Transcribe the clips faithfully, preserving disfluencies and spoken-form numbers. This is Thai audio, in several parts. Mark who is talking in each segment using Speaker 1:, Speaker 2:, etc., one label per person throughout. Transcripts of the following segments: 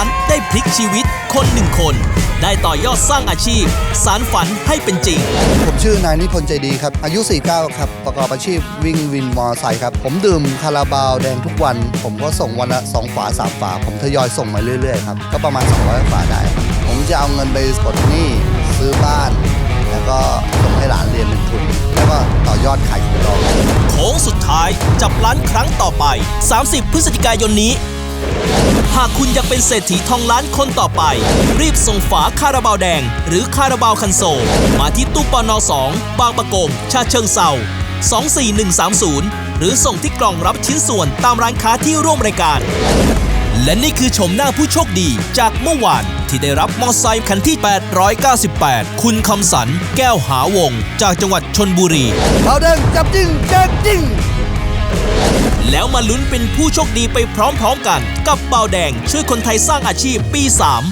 Speaker 1: านได้พลิกชีวิตคนหนึ่งคนได้ต่อยอดสร้างอาชีพสารฝันให้เป็นจริง
Speaker 2: ผมชื่อนายนิพนธ์ใจดีครับอายุสี่สิบเก้าครับประกอบอาชีพวิ่งวินมอเตอร์ไซค์ครับผมดื่มคาราบาวแดงทุกวันผมก็ส่งวันละสองฝาสามฝาผมทยอยส่งมาเรื่อยๆครับก็ประมาณสองร้อยฝาได้ผมจะเอาเงินไปปลดหนี้ซื้อบ้านแล้วก็ส่งให้หลานเรียนเป็นทุนแล้วก็ต่อยอดขายของเรา
Speaker 1: โค้งสุดท้ายจับล้านครั้งต่อไปสามสิบพฤศจิกายนนี้หากคุณอยากเป็นเศรษฐีทองล้านคนต่อไปรีบส่งฝาคาราบาวแดงหรือคาราบาวคันโซลมาที่ตู้ปนสองบางประกงฉะเชิงเทราสองสี่หนึ่งสามศูนย์หรือส่งที่กล่องรับชิ้นส่วนตามร้านค้าที่ร่วมรายการและนี่คือชมหน้าผู้โชคดีจากเมื่อวานที่ได้รับมอเตอร์ไซค์คันที่แปดร้อยเก้าสิบแปดคุณคำสันแก้วหาวงจากจังหวัดชลบุรี
Speaker 2: บาวแดงจับจริงแจกจริง
Speaker 1: แล้วมาลุ้นเป็นผู้โชคดีไปพร้อมๆกันกับเบาแดงช่วยคนไทยสร้างอาชีพปีสาม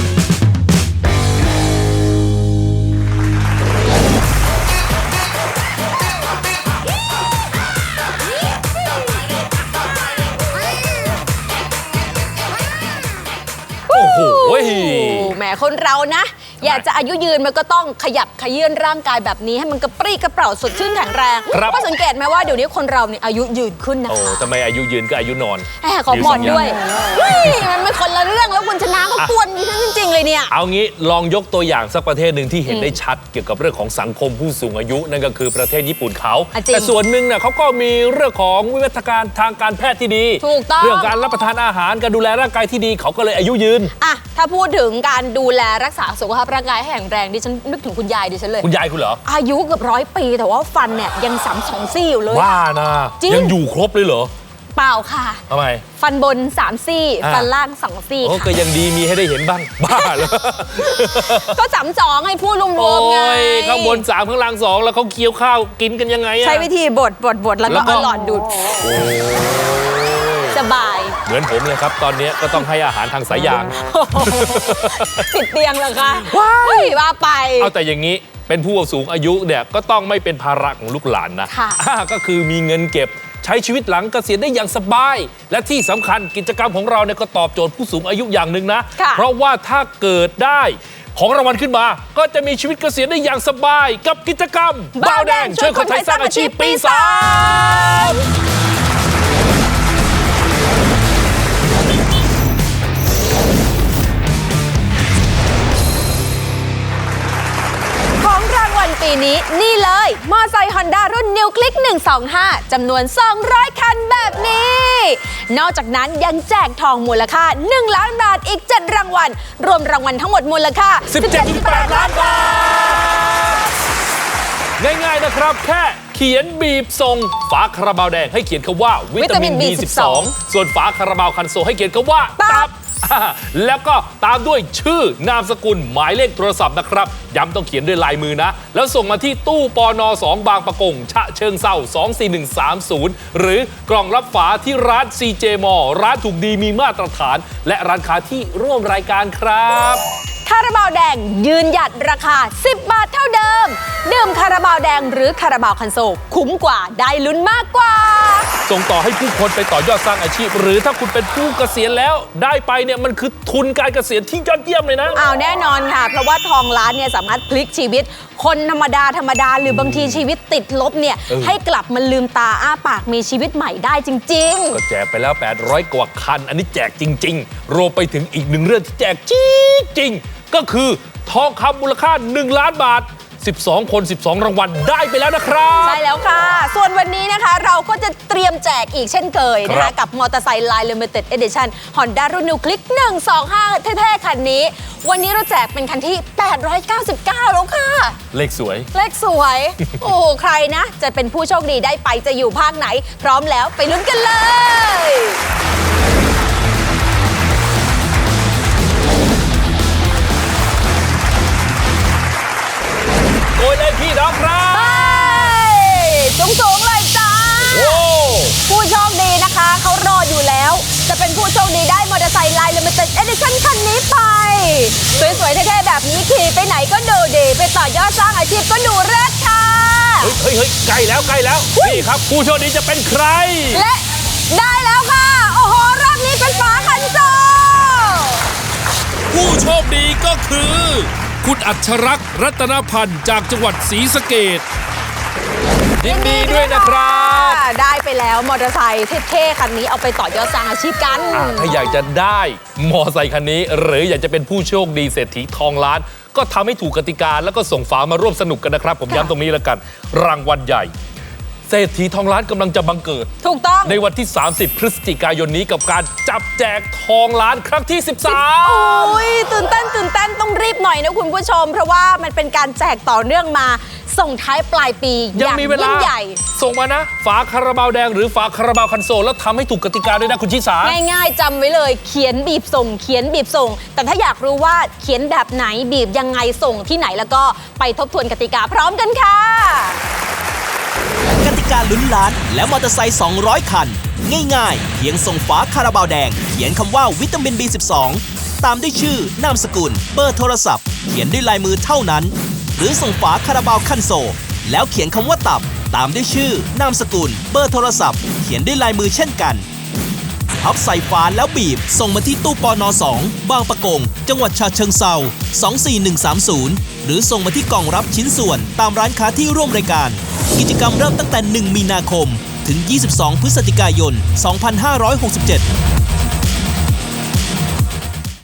Speaker 3: โอ้โหแหมคนเรานะอยากจะอายุยืนมันก็ต้องขยับขยื่นร่างกายแบบนี้ให้มันกระปรี้กระเปร่าสดชื่นแข็งแรงก็สังเกตไหมว่าเดี๋ยวนี้คนเราเนี่ยอายุยืนขึ้นนะคะโอ้
Speaker 4: ทำไมอายุยืนก็อายุนอน
Speaker 3: แหมขอหมอนด้วยมันไม่คนละเรื่องแล้วคุณชนะก็กวนนี้จริงๆเลยเนี่ย
Speaker 4: เอางี้ลองยกตัวอย่างสักประเทศหนึ่งที่เห็นได้ชัดเกี่ยวกับเรื่องของสังคมผู้สูงอายุนั่นก็คือประเทศญี่ปุ่นเขาแต่ส่วนหนึ่งเนี่ยเขาก็มีเรื่องของวิวัฒนาการทางการแพทย์ที่ดี
Speaker 3: ถูกต้อง
Speaker 4: เรื่องการรับประทานอาหารการดูแลร่างกายที่ดีเขาก็เลยอายุยืน
Speaker 3: อ่ะถ้าพูดถึงการดูแลรักษาสุขภาพร่างกายให้แข็งแรงดิฉันนึกถึงคุณยายดิฉันเลย
Speaker 4: คุณยายคุณเหรอ
Speaker 3: อายุเกือบร้อยปีแต่ว่าฟันเนี่ยยังสามสองซี่อยู่เลย
Speaker 4: ว่านะยังอยู่ครบเลยเหรอ
Speaker 3: เปล่าค่ะ
Speaker 4: ทำไม
Speaker 3: ฟันบนสามซี่ฟันล่างสองซี่
Speaker 4: โอ้ก็ยังดีมีให้ได้เห็นบ้างบ้าเลย
Speaker 3: ก็สามสองให้พูดรวมๆไง
Speaker 4: ข้างบนสามข้างล่างสองแล้วเขาเคี้ยวข้าวกินกันยังไง
Speaker 3: ใช้วิธีบดบดบดแล้วก็เอาหลอดดูดสบาย
Speaker 4: เหมือนผมเลยครับตอนนี้ก็ต้องให้อาหารทางสายยาง
Speaker 3: ติดเตียงเหรอคะว้ายว่าไป
Speaker 4: เอาแต่อย่างนี้เป็นผู้สูงอายุเนี่ยก็ต้องไม่เป็นภาระของลูกหลานนะก็คือมีเงินเก็บใช้ชีวิตหลังเกษียณได้อย่างสบายและที่สำคัญกิจกรรมของเราเนี่ยก็ตอบโจทย์ผู้สูงอายุอย่างหนึ่งนะเพราะว่าถ้าเกิดได้ของรางวัลขึ้นมาก็จะมีชีวิตเกษียณได้อย่างสบายกับกิจกรรมบ่าวแดงช่วยคนไทยสร้างอาชีพปีสาม
Speaker 3: ปีนี้นี่เลยมอไซค์ Honda รุ่น New Click หนึ่งสองห้าจำนวนสองร้อยคันแบบนี้นอกจากนั้นยังแจกทองมูลค่าหนึ่งล้านบาทอีกเจ็ดรางวัลรวมรางวัลทั้งหมดมูลค่า
Speaker 4: สิบเจ็ดจุดแปด ล้านบาทง่ายๆนะครับแค่เขียนบีบส่งฝาคาราบาวแดงให้เขียนคำว่าวิตามิน บี สิบสอง ส่วนฝาคาราบาวคันโซให้เขียนคำว่าตับแล้วก็ตามด้วยชื่อนามสกุลหมายเลขโทรศัพท์นะครับย้ำต้องเขียนด้วยลายมือนะแล้วส่งมาที่ตู้ปนสองบางประกงฉะเชิงเทราสองสี่หนึ่งสามศูนย์หรือกล่องรับฝาที่ร้าน ซี เจ มอ ร้านถูกดีมีมาตรฐานและร้านค้าที่ร่วมรายการครับ
Speaker 3: คาราบาวแดงยืนหยัดราคาสิบบาทเท่าเดิมดื่มคาราบาวแดงหรือคาราบาวคันโซลคุ้มกว่าได้ลุ้นมากกว่า
Speaker 4: ส่งต่อให้ผู้คนไปต่อยอดสร้างอาชีพหรือถ้าคุณเป็นผู้เกษียณแล้วได้ไปเนี่ยมันคือทุนการเกษียณที่ยอดเยี่ยมเลยนะ
Speaker 3: อ้าวแน่นอนค่ะเพราะว่าทองล้านเนี่ยสามารถพลิกชีวิตคนธรรมดาธรรมดาหรือบางทีชีวิตติดลบเนี่ยให้กลับมาลืมตาอ้าปากมีชีวิตใหม่ได้จริง
Speaker 4: ๆก็แจกไปแล้วแปดร้อยกว่าคันอันนี้แจกจริงๆรวมไปถึงอีกหนึ่งเรื่องที่แจกจริงๆก็คือทองคำมูลค่าหนึ่งล้านบาทสิบสองคนสิบสองรางวัลได้ไปแล้วนะครับ
Speaker 3: ใช่แล้วค่ะส่วนวันนี้นะคะเราก็จะเตรียมแจกอีกเช่นเคยนะคะกับมอเตอร์ไซค์ Line Limited Edition Honda รุ่น New Click หนึ่งสองห้าเท่ๆคันนี้วันนี้เราแจกเป็นคันที่แปดร้อยเก้าสิบเก้าแล้วค่ะ
Speaker 4: เลขสวย
Speaker 3: เลขสวยโอ้ใครนะจะเป็นผู้โชคดีได้ไปจะอยู่ภาคไหนพร้อมแล้วไปลุ้นกันเลย
Speaker 4: โอ้ยเลยพี่น้องครับ
Speaker 3: สูงสูงเลยจ้าผู้โชคดีนะคะเขารออยู่แล้วจะเป็นผู้โชคดีได้มอเตอร์ไซค์ Line Limited Edition คันนี้ไปสวยๆเท่ๆแบบนี้ขี่ไปไหนก็ดูดีไปต่อยอดสร้างอาชีพก็ดูเลิศค่ะ
Speaker 4: เฮ้ยเฮ้ยใกล้แล้วใกล้แล้วนี่ครับผู้โชคดีจะเป็นใคร
Speaker 3: และได้แล้วค่ะโอ้โหรอบนี้เป็นฝาคันโซ
Speaker 4: ผู้โชคดีก็คือ คุณอัชรักษ์รัตนพันธ์จากจังหวัดศรีสะเกษยินดีด้วยนะครับ
Speaker 3: ได้ไปแล้วมอเตอร์ไซค์เท่ๆคันนี้เอาไปต่อยอดสร้างอาชีพกัน
Speaker 4: อ่ะถ้าอยากจะได้มอไซค์คันนี้ หรืออยากจะเป็นผู้โชคดีเศรษฐีทองล้าน ก็ทำให้ถูกกติกาแล้วก็ส่งฝามาร่วมสนุกกันนะครับ ผมย้ำตรงนี้แล้วกัน รางวัลใหญ่ เศรษฐีทองล้านกำลังจะบังเกิด
Speaker 3: ถูกต้อง
Speaker 4: ในวันที่ สามสิบ พฤศจิกายนนี้กับการจับแจกทองล้านครั้งที่ สิบสาม
Speaker 3: โอ้ยตื่นเต้นตื่นเต้นต้องรีบหน่อยนะคุณผู้ชม เพราะว่ามันเป็นการแจกต่อเนื่องมาส่งท้ายปลายปีอ
Speaker 4: ยัง
Speaker 3: ย่าง
Speaker 4: มีเวลา
Speaker 3: ยิ่งใหญ่
Speaker 4: ส่งมานะ ฝาคาราบาวแดงหรือฝาคาราบาวคันโซลแล้วทำให้ถูกกติกาด้วยนะคุณชิสา
Speaker 3: ง่ายๆจำไว้เลยเขียนบีบส่ง เขียนบีบส่ง แต่ถ้าอยากรู้ว่าเขียนแบบไหนบีบยังไงส่งที่ไหนแล้วก็ไปทบทวนกติกาพร้อมกันค่ะ
Speaker 1: กติกาลุ้นล้านและมอเตอร์ไซค์สองร้อยคัน ง่ายๆ เพียงส่งฝาคาราบาวแดง เขียนคำว่าวิตามิน บี สิบสอง ตามด้วยชื่อนามสกุลเบอร์โทรศัพท์ เขียนด้วยลายมือเท่านั้น หรือส่งฝาคาราบาวคันโซลแล้วเขียนคำว่าตับ ตามด้วยชื่อนามสกุลเบอร์โทรศัพท์ เขียนด้วยลายมือเช่นกันพับใส่ฝาแล้วบีบ ส่งมาที่ตู้ปนสองบางปะกง จังหวัดฉะเชิงเทราสองสี่หนึ่งสามศูนย์ หรือส่งมาที่กล่องรับชิ้นส่วนตามร้านค้าที่ร่วมรายการ กิจกรรมเริ่มตั้งแต่หนึ่งมีนาคมถึงยี่สิบสองพฤศจิกายนสองพันห้าร้อยหกสิบเจ็ด